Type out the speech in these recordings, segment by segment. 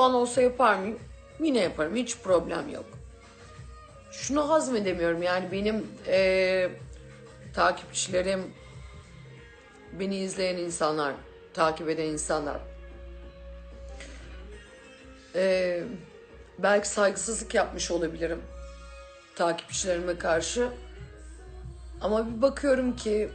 an olsa yapar mıyım? Yine yaparım. Hiç problem yok. Şunu hazmedemiyorum yani benim takipçilerim, beni izleyen insanlar, takip eden insanlar belki saygısızlık yapmış olabilirim takipçilerime karşı. Ama bir bakıyorum ki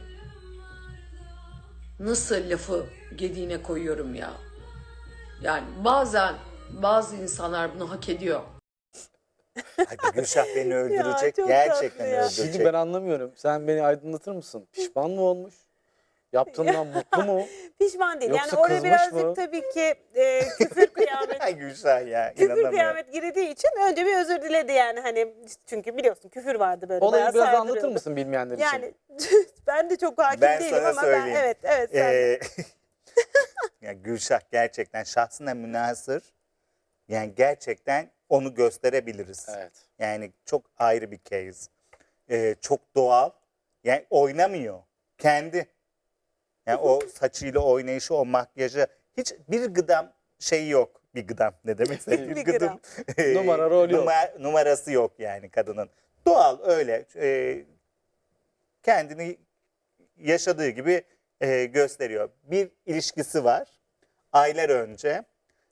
nasıl lafı gediğine koyuyorum ya. Yani bazen bazı insanlar bunu hak ediyor. Hadi Gülşah beni öldürecek. çok Gerçekten tatlı ya. öldürecek. Şimdi ben anlamıyorum. Sen beni aydınlatır mısın? Pişman mı olmuş? Yaptığından mutlu mu? Pişman değil. Yoksa Yani oraya kızmış birazcık mı? tabii ki küfür kıyamet Ay Gülşah ya, küfür inanamıyorum. kıyamet girdiği için önce bir özür diledi yani hani çünkü biliyorsun küfür vardı böyle Olayı bayağı biraz anlatır sardırıyordu. mısın bilmeyenler için? Yani ben de çok hakim Ben değilim sana ama söyleyeyim. evet sen de. Ya Gülşah gerçekten şahsına münhasır. Yani gerçekten onu gösterebiliriz. Evet. Yani çok ayrı bir case. Çok doğal. Yani oynamıyor. Kendi. Yani o saçıyla oynayışı, o makyajı hiç bir gıdam şeyi yok. Bir gıdam ne demekse Bir bir gıdam. gıdım. Numara, rol yok. Numarası yok yani kadının. Doğal öyle. Kendini yaşadığı gibi gösteriyor. Bir ilişkisi var. Aylar önce.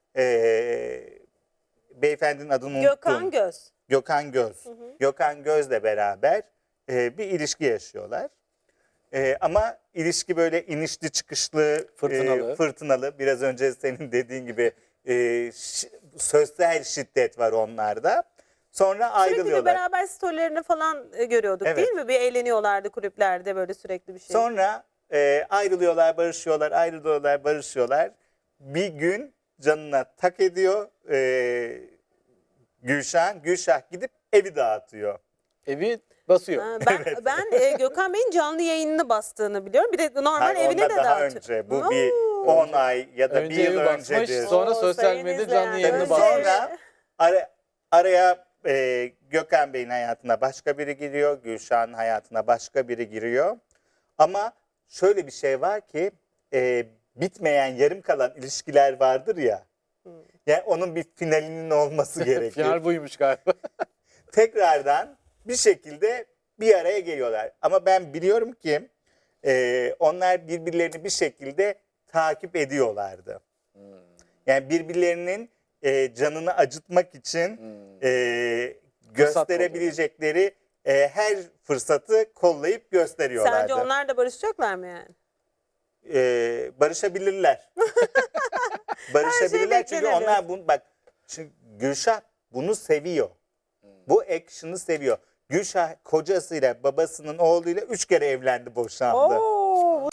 Beyefendinin adını unuttum. Gökhan Göz. Gökhan Göz. Gökhan Göz'le beraber bir ilişki yaşıyorlar. Ama ilişki böyle inişli çıkışlı, fırtınalı. Biraz önce senin dediğin gibi sözsel şiddet var onlarda. Sonra Sürekli bir ayrılıyorlar. beraber storylerini falan görüyorduk Evet. değil mi? Bir eğleniyorlardı kulüplerde böyle sürekli bir şey. Sonra ayrılıyorlar, barışıyorlar, ayrılıyorlar, barışıyorlar. Bir gün canına tak ediyor Gülşah. Gülşah gidip evi dağıtıyor. Evi basıyor. Ha, ben Gökhan Bey'in canlı yayınını bastığını biliyorum. Bir de normal Hayır, evine ondan de daha dağıtıyor. önce. Bu bir 10 ay ya da Önce bir yıl evi basmış, öncedir. sonra Oo, sosyal sayın medya izleyen, canlı yayını önce basmış. Sonra araya Gökhan Bey'in hayatına başka biri giriyor. Gülşah'ın hayatına başka biri giriyor. Ama şöyle bir şey var ki bitmeyen yarım kalan ilişkiler vardır ya. Yani onun bir finalinin olması gerekir. Final buymuş galiba. Tekrardan bir şekilde bir araya geliyorlar. Ama ben biliyorum ki onlar birbirlerini bir şekilde takip ediyorlardı. Yani birbirlerinin canını acıtmak için gösterebilecekleri her fırsatı kollayıp gösteriyorlardı. Sence onlar da barışacaklar mı yani? Barışabilirler. Barışabilirler çünkü beklenebilir. onlar bunu bak çünkü Gülşah bunu seviyor. Bu action'ı seviyor. Gülşah kocasıyla babasının oğluyla 3 kere evlendi, boşandı. Oo,